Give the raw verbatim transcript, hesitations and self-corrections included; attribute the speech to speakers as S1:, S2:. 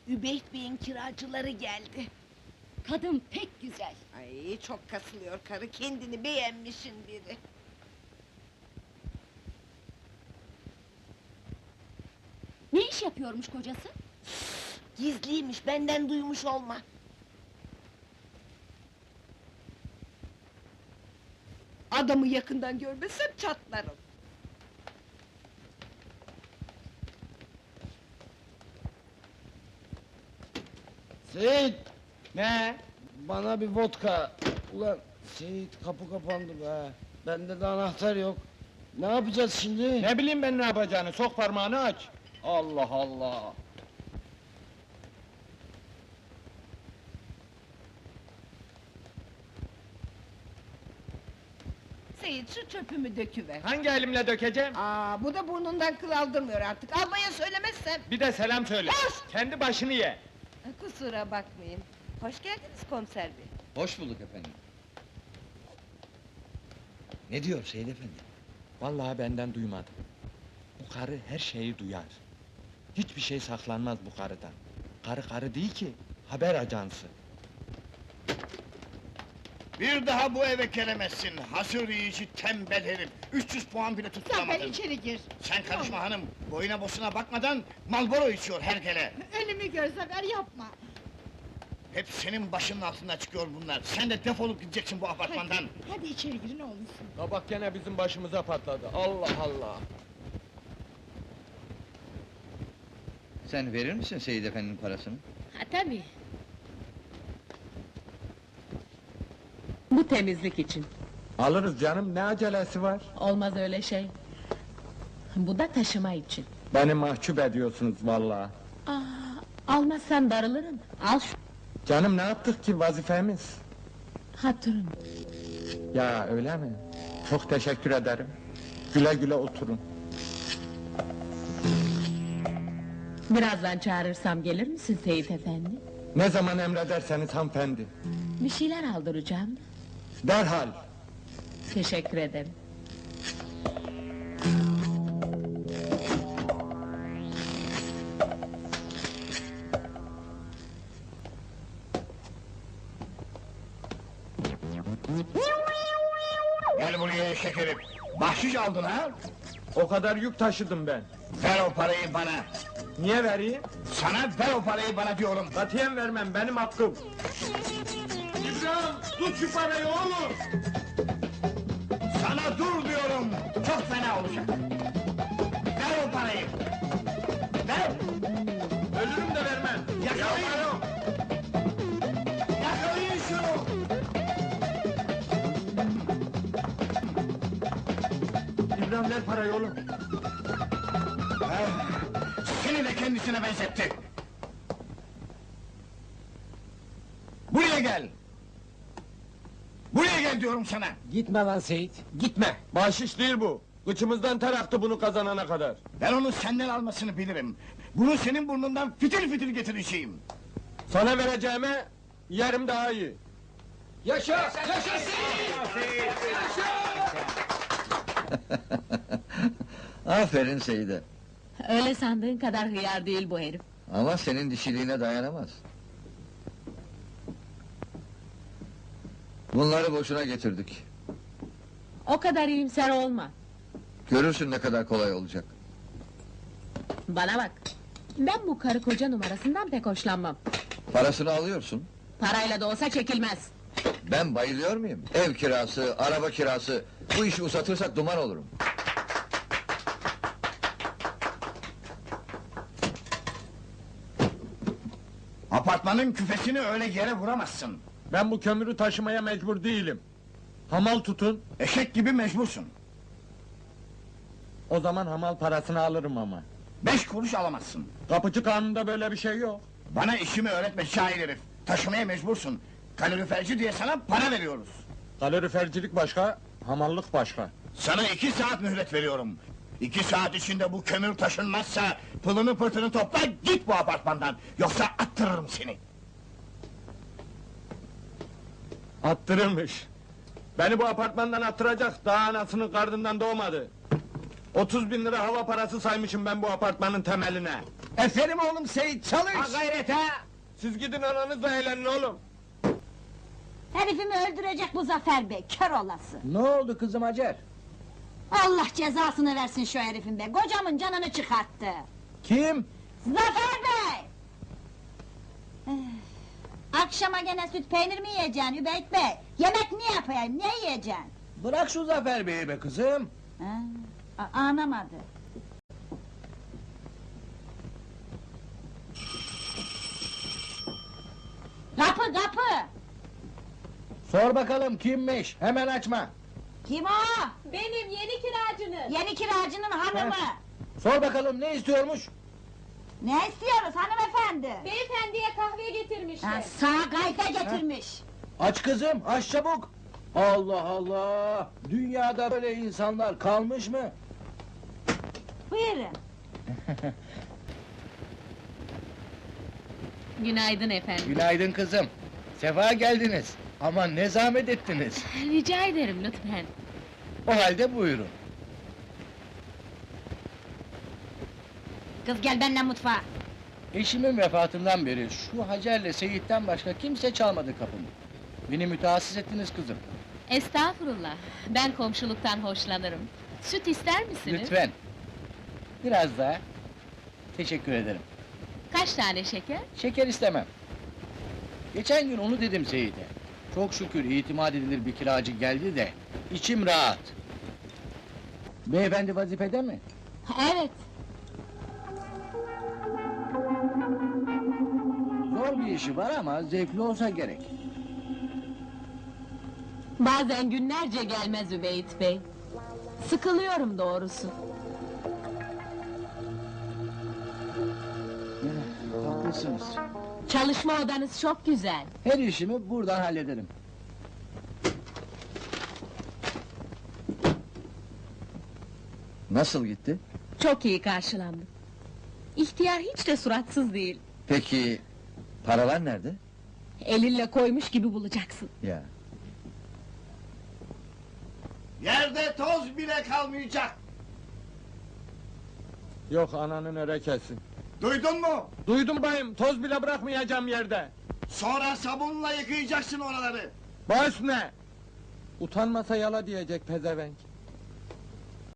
S1: Übeyt Bey'in kiracıları geldi.
S2: Kadın pek güzel.
S1: Ay çok kasılıyor karı, kendini beğenmişin biri.
S2: Ne iş yapıyormuş kocası?
S1: Gizliymiş, benden duymuş olma. Adamı yakından görmesem çatlarım.
S3: Seyit! Ne? Bana bir vodka. Ulan Seyit, kapı kapandı be. Bende de anahtar yok. Ne yapacağız şimdi?
S4: Ne bileyim ben ne yapacağını, sok parmağını aç! Allah Allah!
S1: Seyit, şu çöpümü döküver.
S4: Hangi elimle dökeceğim?
S1: Aa, bu da burnundan kıl aldırmıyor artık. Almaya söylemezsem.
S4: Bir de selam söyle!
S1: Hoş!
S4: Kendi başını ye!
S1: Kusura bakmayın. Hoş geldiniz komiser bey.
S5: Hoş bulduk efendim. Ne diyor Seyit efendi?
S4: Vallahi benden duymadı. Bu karı her şeyi duyar. Hiçbir şey saklanmaz bu karıdan. Karı karı değil ki, haber ajansı.
S6: Bir daha bu eve gelemezsin, hasır yiyici tembel herif! üç yüz puan bile
S1: Sen ben
S6: tutturamadın!
S1: içeri gir.
S6: Sen karışma hanım, boyuna bosuna bakmadan Marlboro içiyor hergele!
S1: Önümü gör Zafer, yapma.
S6: Hep senin başının altından çıkıyor bunlar! Sen de defolup gideceksin bu apartmandan!
S1: Hadi içeri gir ne olursun.
S4: Kabak gene bizim başımıza patladı, Allah Allah!
S5: Sen verir misin Seyit efendinin parasını?
S2: Ha tabii. Bu temizlik için.
S4: Alırız canım, ne acelesi var?
S2: Olmaz öyle şey. Bu da taşıma için.
S4: Beni mahcup ediyorsunuz vallahi.
S2: Aa, almazsan darılırım. Al şu
S4: Canım ne yaptık ki, vazifemiz?
S2: hatırın.
S4: Ya öyle mi? Çok teşekkür ederim. Güle güle oturun.
S2: Birazdan çağırırsam gelir misin Seyit efendi?
S4: Ne zaman emrederseniz hanımefendi.
S2: Bir şeyler aldıracağım.
S4: Derhal.
S2: Teşekkür ederim.
S6: Gel buraya şekerim! Bahşiş aldın ha?
S4: O kadar yük taşıdım ben.
S6: Ver o parayı bana!
S4: Niye vereyim?
S6: Sana ver o parayı bana diyorum!
S4: Katiyen vermem, benim hakkım. İbrahim, tut şu parayı oğlum!
S6: Sana dur diyorum! Çok fena olacak! Ver o parayı! Ver!
S4: Ölürüm de vermem.
S6: Yakalayın! Yakalayın şunu!
S4: İbrahim ver parayı oğlum.
S6: Seni de kendisine benzetti! Buraya gel! Buraya gel diyorum sana!
S3: Gitme lan Seyit, gitme!
S4: Bahşiş değil bu. Kıçımızdan ter aktı bunu kazanana kadar.
S6: Ben onu senden almasını bilirim! Bunu senin burnundan fitil fitil getireceğim!
S4: Sana vereceğime yerim daha iyi.
S3: Yaşa! Yaşa Seyit!
S5: Aferin Seyit'e.
S2: Öyle sandığın kadar hıyar değil bu herif.
S5: Ama senin dişiliğine dayanamaz. Bunları boşuna getirdik.
S2: O kadar iyimser olma.
S5: Görürsün ne kadar kolay olacak.
S2: Bana bak. Ben bu karı koca numarasından pek hoşlanmam.
S5: Parasını alıyorsun.
S2: Parayla da olsa çekilmez.
S5: Ben bayılıyor muyum? Ev kirası, araba kirası... Bu işi uzatırsak duman olurum.
S6: Apartmanın küfesini öyle yere vuramazsın!
S4: Ben bu kömürü taşımaya mecbur değilim. Hamal tutun,
S6: Eşek gibi mecbursun!
S4: o zaman hamal parasını alırım ama.
S6: Beş kuruş alamazsın!
S4: Kapıcı kanununda böyle bir şey yok.
S6: Bana işimi öğretme şair herif! Taşımaya mecbursun! Kaloriferci diye sana para veriyoruz!
S4: Kalorifercilik başka, hamallık başka.
S6: Sana iki saat mühlet veriyorum! İki saat içinde bu kömür taşınmazsa... ...pılını pırtını topla, git bu apartmandan! Yoksa attırırım seni!
S4: Attırılmış. Beni bu apartmandan attıracak, daha anasının karnından doğmadı. Otuz bin lira hava parası saymışım ben bu apartmanın temeline.
S6: Aferin oğlum Seyit, çalış!
S4: Ha gayret ha! Siz gidin ananızla eğlenin oğlum.
S7: Herifimi öldürecek bu Zafer Bey, kör olası!
S6: Ne oldu kızım Hacer?
S7: Allah cezasını versin şu herifin be, kocamın canını çıkarttı!
S6: Kim?
S7: Zafer Bey! Eh, Akşama gene süt peynir mi yiyeceksin Übeyt Bey? Yemek ne yapayım, ne yiyeceksin?
S6: Bırak şu Zafer Bey'i be kızım!
S7: Ha, a- anlamadı. Kapı kapı!
S6: Sor bakalım kimmiş, hemen açma!
S7: Kim o?
S2: Benim yeni kiracınız.
S7: Yeni kiracının hanımı!
S6: Sor bakalım ne istiyormuş?
S7: Ne istiyoruz hanımefendi?
S2: Beyefendiye kahve getirmişler.
S7: Ha, sağ gayfe getirmiş!
S6: Aç kızım, aç çabuk! Allah Allah! Dünyada böyle insanlar kalmış mı?
S7: Buyurun!
S2: Günaydın efendim.
S6: Günaydın kızım. Sefa geldiniz. Ama ne zahmet ettiniz.
S2: Rica ederim lütfen.
S6: O halde buyurun.
S7: Kız gel benimle mutfağa!
S6: Eşimin vefatından beri şu Hacer'le Seyit'ten başka kimse çalmadı kapımı. Beni mütehassıs ettiniz kızım.
S2: Estağfurullah. Ben komşuluktan hoşlanırım. Süt ister misiniz?
S6: Lütfen. Biraz daha. Teşekkür ederim.
S2: Kaç tane şeker?
S6: Şeker istemem. Geçen gün onu dedim Seyit'e. Çok şükür itimat edilir bir kiracı geldi de içim rahat. Beyefendi vazifede mi?
S7: Evet!
S6: Zor bir işi var ama zevkli olsa gerek.
S2: Bazen günlerce gelmez Übeyt Bey. Sıkılıyorum doğrusu.
S6: Haklısınız.
S2: Çalışma odanız çok güzel.
S6: Her işimi buradan hallederim.
S5: Nasıl gitti?
S2: Çok iyi karşılandım. İhtiyar hiç de suratsız değil.
S5: Peki, paralar nerede?
S2: Elinle koymuş gibi bulacaksın.
S5: Ya.
S6: Yerde toz bile kalmayacak.
S4: Yok ananın örekesin.
S6: Duydun mu?
S4: Duydum bayım, toz bile bırakmayacağım yerde.
S6: Sonra sabunla yıkayacaksın oraları.
S4: Baş ne? Utanmasa yala diyecek pezevenk.